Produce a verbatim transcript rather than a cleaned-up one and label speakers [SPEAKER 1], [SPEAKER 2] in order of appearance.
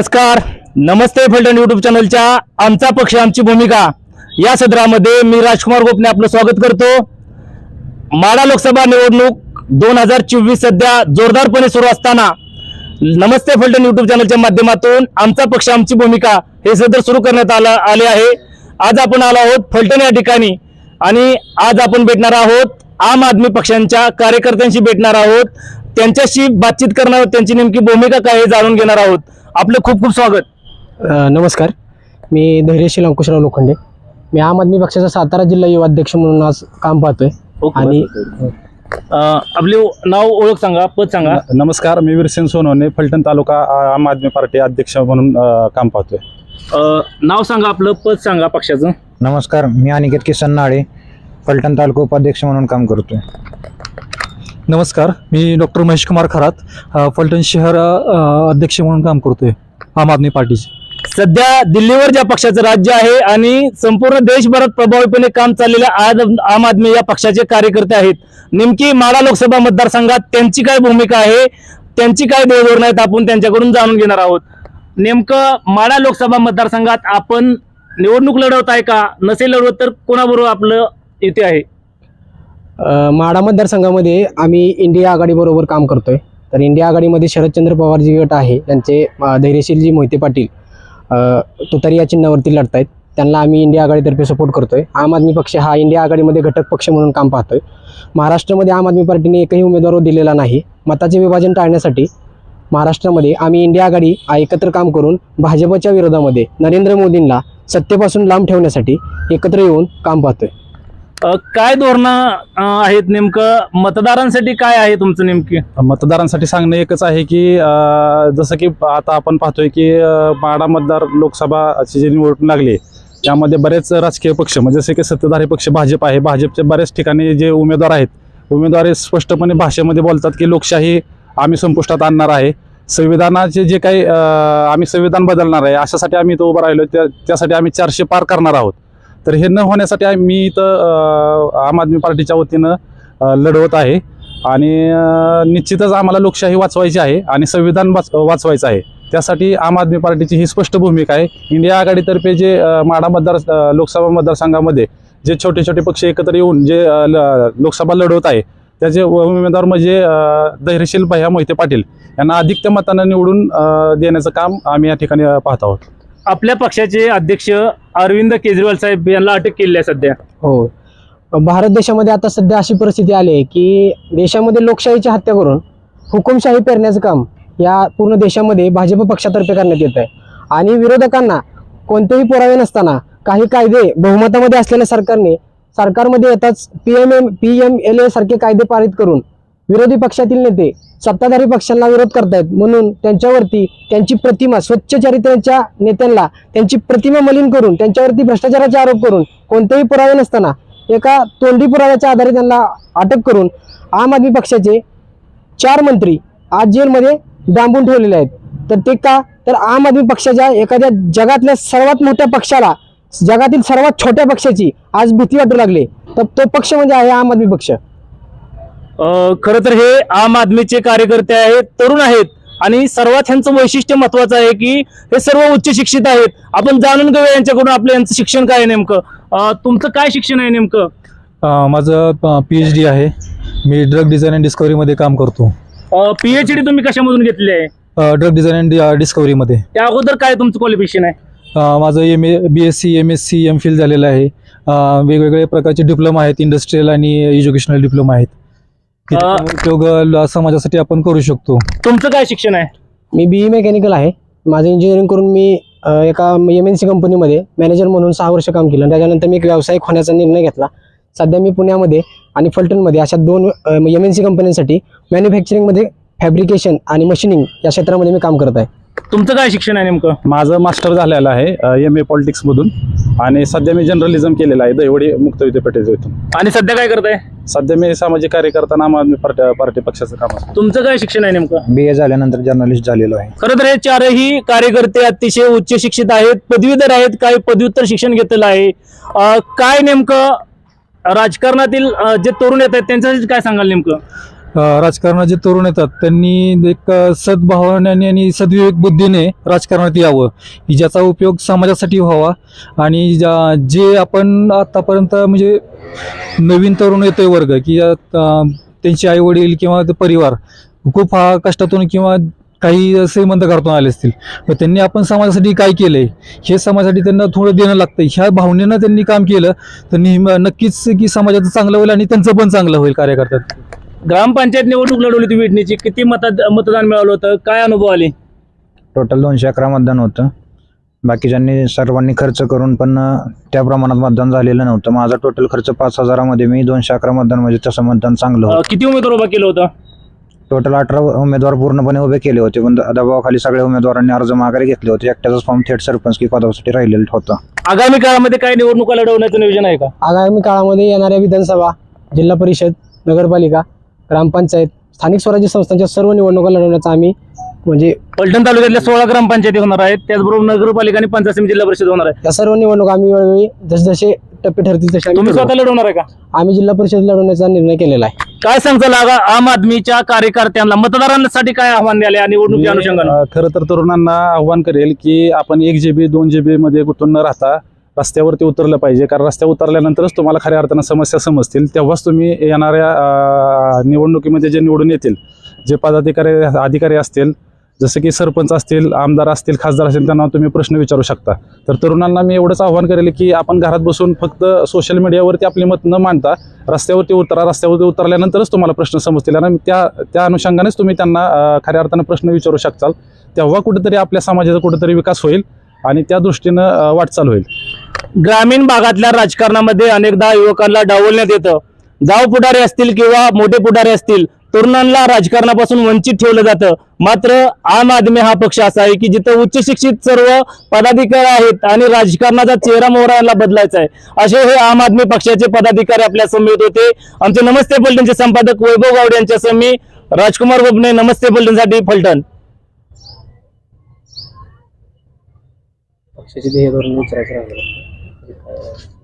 [SPEAKER 1] नमस्कार, नमस्ते फलटण यूट्यूब चॅनलच्या आमचा पक्ष आमची भूमिका या सदरामध्ये मी राजकुमार गोपने आपलं स्वागत करतो। माढा लोकसभा निवडणूक दोन हजार चोवीस सध्या जोरदारपणे सुरू असताना नमस्ते फलटण यूट्यूब चॅनलच्या माध्यमातून आमचा पक्ष आमची भूमिका हे सदर सुरू करण्यात आला आले आहे। आज आपण आलो आहोत फलटण या ठिकाणी आणि आज आपण भेटणार आहोत आम आदमी पक्षांच्या कार्यकर्त्यांशी भेटणार आहोत, त्यांच्याशी बातचीत करणार आहोत, त्यांची नेमकी भूमिका काय हे जाणून घेणार आहोत। आपलं खूप खूप स्वागत।
[SPEAKER 2] नमस्कार, मी धैर्यशील अंकुशराव लोखंडे, मी आम आदमी पक्षाचा सातारा जिल्हा युवा अध्यक्ष म्हणून आज काम पाहतोय। आणि
[SPEAKER 1] आपले नाव ओळख सांगा, पद सांगा।
[SPEAKER 3] नमस्कार, मी वीरसेन सोनवणे, फलटण तालुका आम आदमी पार्टी अध्यक्ष म्हणून काम पाहतोय।
[SPEAKER 1] नाव सांगा, आपलं पद सांगा पक्षाचं।
[SPEAKER 4] नमस्कार, मी अनिकेत किसन नाळे, फलटण तालुका उपाध्यक्ष म्हणून काम करतोय।
[SPEAKER 5] नमस्कार, मी डॉक्टर महेश कुमार खरात, फलटण शहर अध्यक्ष म्हणून काम करतोय आम आदमी पार्टीचे।
[SPEAKER 1] सध्या दिल्लीवर ज्या पक्षाचं राज्य आहे आणि संपूर्ण देशभरात प्रभावीपणे काम चाललेल्या आज आम आदमी या पक्षाचे कार्यकर्ते आहेत, नेमकी माढा लोकसभा मतदारसंघात त्यांची काय भूमिका आहे, त्यांची काय देवधोरण आहेत, आपण त्यांच्याकडून जाणून घेणार आहोत। नेमकं माढा लोकसभा मतदारसंघात आपण निवडणूक लढवत आहे का, नसेल लढवत तर कोणाबरोबर आपलं येथे आहे?
[SPEAKER 2] माढा मतदारसंघामध्ये आम्ही इंडिया आघाडी बरोबर काम करतोय। तर इंडिया आघाडीमध्ये शरदचंद्र पवार जी गट आहे त्यांचे धैर्यशीलजी मोहिते पाटील तुतारी या चिन्हावरती लढतायत, त्यांना आम्ही इंडिया आघाडीतर्फे सपोर्ट करतोय। आम आदमी पक्ष हा इंडिया आघाडीमध्ये घटक पक्ष म्हणून काम पाहतोय। महाराष्ट्रामध्ये आम आदमी पार्टीने एकही उमेदवार दिलेला नाही। मताचे विभाजन टाळण्यासाठी महाराष्ट्रामध्ये आम्ही इंडिया आघाडी एकत्र काम करून भाजपच्या विरोधामध्ये नरेंद्र मोदींना सत्तेपासून लांब ठेवण्यासाठी एकत्र येऊन काम पाहतोय।
[SPEAKER 1] काय धोरणं आहेत, नेमकं मतदारांसाठी काय आहे तुमचं? नेमकी
[SPEAKER 3] मतदारांसाठी सांगणं एकच आहे की जसं की आता आपण पाहतोय की माढा मतदार लोकसभाची जी निवडणूक लागली त्यामध्ये बरेच राजकीय पक्ष म्हणजे जसे की सत्ताधारी पक्ष भाजप आहे, भाजपच्या बऱ्याच ठिकाणी जे उमेदवार आहेत उमेदवार स्पष्टपणे भाषेमध्ये बोलतात की लोकशाही आम्ही संपुष्टात आणणार आहे, संविधानाचे जे काही आम्ही संविधान बदलणार आहे अशासाठी आम्ही इथं उभं राहिलो, त्या त्यासाठी आम्ही चारशे पार करणार आहोत। तर हे न होण्यासाठी मी इथं आम आदमी पार्टीच्या वतीनं लढवत आहे आणि निश्चितच आम्हाला लोकशाही वाचवायची आहे आणि संविधान वाच वाचवायचं आहे। त्यासाठी आम आदमी पार्टीची ही स्पष्ट भूमिका आहे। इंडिया आघाडीतर्फे जे माढा मतदार लोकसभा मतदारसंघामध्ये जे छोटे छोटे पक्ष एकत्र येऊन जे लोकसभा लढवत आहे त्याचे उमेदवार म्हणजे धैर्यशील भैया मोहिते पाटील यांना अधिकतम मतानं निवडून देण्याचं काम आम्ही या ठिकाणी पाहत आहोत।
[SPEAKER 1] आपल्या पक्षाचे अध्यक्ष अरविंद केजरीवाल साहेब यांना अटक केली आहे सध्या।
[SPEAKER 2] हो, भारत देशामध्ये आता सध्या अशी परिस्थिती आली आहे की देशामध्ये लोकशाहीची हत्या करून हुकुमशाही पेरण्याचं काम या पूर्ण देशामध्ये भाजप पक्षातर्फे करण्यात येत आहे आणि विरोधकांना कोणतेही पुरावे नसताना काही कायदे बहुमतामध्ये असलेल्या सरकारने सरकारमध्ये येताच P M M P M L A सारखे कायदे पारित करून विरोधी पक्षातील नेते सत्ताधारी पक्षांना विरोध करतायत, म्हणून त्यांच्यावरती त्यांची प्रतिमा स्वच्छ चरित्राच्या नेत्यांना त्यांची प्रतिमा मलिन करून त्यांच्यावरती भ्रष्टाचाराचे आरोप करून कोणतेही पुरावे नसताना एका तोंडी पुराव्याच्या आधारे त्यांना अटक करून आम आदमी पक्षाचे चार मंत्री आज जेलमध्ये डांबून ठेवलेले आहेत। तर ते का, तर आम आदमी पक्षाच्या एखाद्या जगातल्या सर्वात मोठ्या पक्षाला जगातील सर्वात छोट्या पक्षाची आज भीती वाटू लागली, तर तो पक्ष म्हणजे आहे आम आदमी पक्ष।
[SPEAKER 1] खरं तर हे आम आदमीचे कार्यकर्ते आहेत, तरुण आहेत आणि सर्वात ह्यांचं वैशिष्ट्य महत्वाचं आहे की हे सर्व उच्च शिक्षित आहेत। आपण जाणून घेऊया यांच्याकडून आपलं यांचं शिक्षण काय आहे नेमकं। तुमचं काय शिक्षण आहे नेमकं?
[SPEAKER 5] माझं पीएच डी आहे, मी ड्रग डिझाईन अँड डिस्कवरीमध्ये काम करतो।
[SPEAKER 1] पीएच डी तुम्ही कशामधून घेतली आहे?
[SPEAKER 5] ड्रग डिझाईन अँड डिस्कवरीमध्ये।
[SPEAKER 1] त्या अगोदर काय तुमचं क्वालिफिकेशन आहे?
[SPEAKER 5] माझं M A B S C M S C M phil झालेलं आहे। वेगवेगळ्या प्रकारचे डिप्लोमा आहेत, इंडस्ट्रियल आणि एज्युकेशनल डिप्लोमा आहेत, उपयोग समाजासाठी आपण करू शकतो।
[SPEAKER 1] तुमचं काय शिक्षण आहे?
[SPEAKER 2] मी बी ई मेकॅनिकल आहे। माझं इंजिनिअरिंग करून मी एका एम एन सी कंपनीमध्ये मॅनेजर म्हणून सहा वर्ष काम केलं, त्याच्यानंतर मी एक व्यावसायिक होण्याचा निर्णय घेतला। सध्या मी पुण्यामध्ये आणि फलटणमध्ये अशा दोन एम एन सी कंपन्यांसाठी मॅन्युफॅक्चरिंगमध्ये फॅब्रिकेशन आणि मशिनिंग या क्षेत्रामध्ये मी काम करत आहे।
[SPEAKER 1] तुमचं काय शिक्षण आहे नेमकं?
[SPEAKER 3] माझं मास्टर झालेलं आहे एम ए पॉलिटिक्स मधून आणि सध्या मी जर्नलिझम केलेलं आहे दैवडी मुक्त विद्यापीठाच्या इथून।
[SPEAKER 1] आणि सध्या काय करताय?
[SPEAKER 3] सध्या मी सामाजिक कार्यकर्ता आम आदमी पार्टी पार्टी पक्षाचं काम आहे।
[SPEAKER 1] तुमचं काय शिक्षण आहे नेमकं?
[SPEAKER 4] बी ए झाल्यानंतर जर्नलिस्ट झालेलो आहे।
[SPEAKER 1] खरं तर हे चारही कार्यकर्ते अतिशय उच्च शिक्षित आहेत, पदवीधर आहेत, काही पदव्युत्तर शिक्षण घेतलेलं आहे। काय नेमकं राजकारणातील जे तरुण येत आहेत त्यांच्यासाठी काय सांगाल नेमकं?
[SPEAKER 5] अ, राजकारणात जे तरुण येतात त्यांनी एक अ, सद्भावनेने आणि सद्विवेक बुद्धीने राजकारणात यावं की ज्याचा उपयोग समाजासाठी व्हावा आणि ज्या जे आपण आतापर्यंत म्हणजे नवीन तरुण येतोय वर्ग की अ, त्यांचे आई वडील किंवा ते परिवार खूप हा कष्टातून किंवा काही श्रीमंत घरातून आले असतील तर त्यांनी आपण समाजासाठी काय केलंय हे समाजासाठी त्यांना थोडं देणं लागतं. ह्या भावनेनं त्यांनी काम केलं तर नेहमी नक्कीच की समाजाचं चांगलं होईल आणि त्यांचं पण चांगलं होईल कार्यकर्त्यात.
[SPEAKER 1] ग्रामपंचायत निवडणूक लढवली होती विटणीची, किती मत मतदान मिळालं होतं, काय अनुभव आले?
[SPEAKER 4] टोटल दोनशे अकरा मतदान होतं. बाकीच्यांनी सर्वांनी खर्च करून पण अ, त्या प्रमाणात मतदान झालेलं नव्हतं. माझा टोटल खर्च पाच हजारामध्ये मी दोनशे अकरा मतदान म्हणजे तसं मतदान चांगलं
[SPEAKER 1] अ,
[SPEAKER 4] होतं.
[SPEAKER 1] किती उमेदवार उभा केलं होतं?
[SPEAKER 4] टोटल अठरा उमेदवार पूर्णपणे उभे केले होते पण द- दबावाखाली सगळ्या उमेदवारांनी अर्ज माघारी घेतले होते. एकट्याचाच फॉर्म थेट सरपंच की पदासाठी राहिलेला होता.
[SPEAKER 1] आगामी काळामध्ये काय निवडणुका लढवण्याचं नियोजन आहे का?
[SPEAKER 2] आगामी काळामध्ये येणाऱ्या विधानसभा, जिल्हा परिषद, नगरपालिका, ग्रामपंचायत, स्थानिक स्वराज्य संस्थांच्या सर्व निवडणुका लढवण्याचा आम्ही म्हणजे
[SPEAKER 1] फलटण तालुक्यातल्या सोळा ग्रामपंचायती होणार आहेत, त्याचबरोबर नगरपालिका आणि पंचायत समिती जिल्हा परिषद होणार आहे.
[SPEAKER 2] या सर्व निवडणुका आम्ही वेळोवेळी जसजसे टप्पे ठरतील तसे आम्ही
[SPEAKER 1] तुम्ही
[SPEAKER 2] लढवू.
[SPEAKER 1] स्वतः लढवणार आहे का?
[SPEAKER 2] आम्ही जिल्हा परिषद लढवण्याचा निर्णय केलेला आहे.
[SPEAKER 1] काय सांगचाल आगा आम आदमीच्या कार्यकर्त्यांना, मतदारांसाठी काय आव्हान द्याले निवडणुकीच्या
[SPEAKER 3] मी,
[SPEAKER 1] अनुषंगाने?
[SPEAKER 3] अ, खरं तर तरुणांना आव्हान करेल की आपण एक जीबी दोन जीबी मध्ये गुंतून न राहता रस्त्यावरती उतरलं पाहिजे. कारण रस्त्यावर उतरल्यानंतरच तुम्हाला खऱ्या अर्थानं समस्या समजतील. तेव्हाच तुम्ही येणाऱ्या अ, निवडणुकीमध्ये जे निवडून येतील, जे पदाधिकारी अधिकारी असतील, जसे की सरपंच असतील, आमदार असतील, खासदार असतील, त्यांना तुम्ही प्रश्न विचारू शकता. तर तरुणांना मी एवढंच आव्हान करेल की आपण घरात बसून फक्त सोशल मीडियावरती आपली मत न मांडता रस्त्यावरती उतरा. रस्त्यावरती उतरल्यानंतरच तुम्हाला प्रश्न समजतील आणि त्या त्या अनुषंगानेच तुम्ही त्यांना अ, खऱ्या अर्थानं प्रश्न विचारू शकताल. तेव्हा कुठेतरी आपल्या समाजाचा कुठेतरी विकास होईल आणि त्या दृष्टीनं अ, वाटचाल होईल.
[SPEAKER 1] ग्रामीण भागातल्या राजकारणामध्ये अनेकदा युवकांना डावलण्यात येतं. जाव पुढारी असतील किंवा मोठे पुढारी असतील, तरुणांना राजकारणापासून वंचित ठेवलं जातं. मात्र आम आदमी हा पक्ष असा आहे की जिथं उच्च शिक्षित सर्व पदाधिकारी आहेत आणि राजकारणाचा चेहरा मोहरा यांना बदलायचा आहे, असे हे आम आदमी पक्षाचे पदाधिकारी आपल्या समेत होते. आमचे नमस्ते फलटणचे संपादक वैभव गावडे यांच्या समी राजकुमार गोपने, नमस्ते फलटणसाठी फलटण.
[SPEAKER 2] पक्षाचे ध्येय धोरण विचारायचं राहिलं.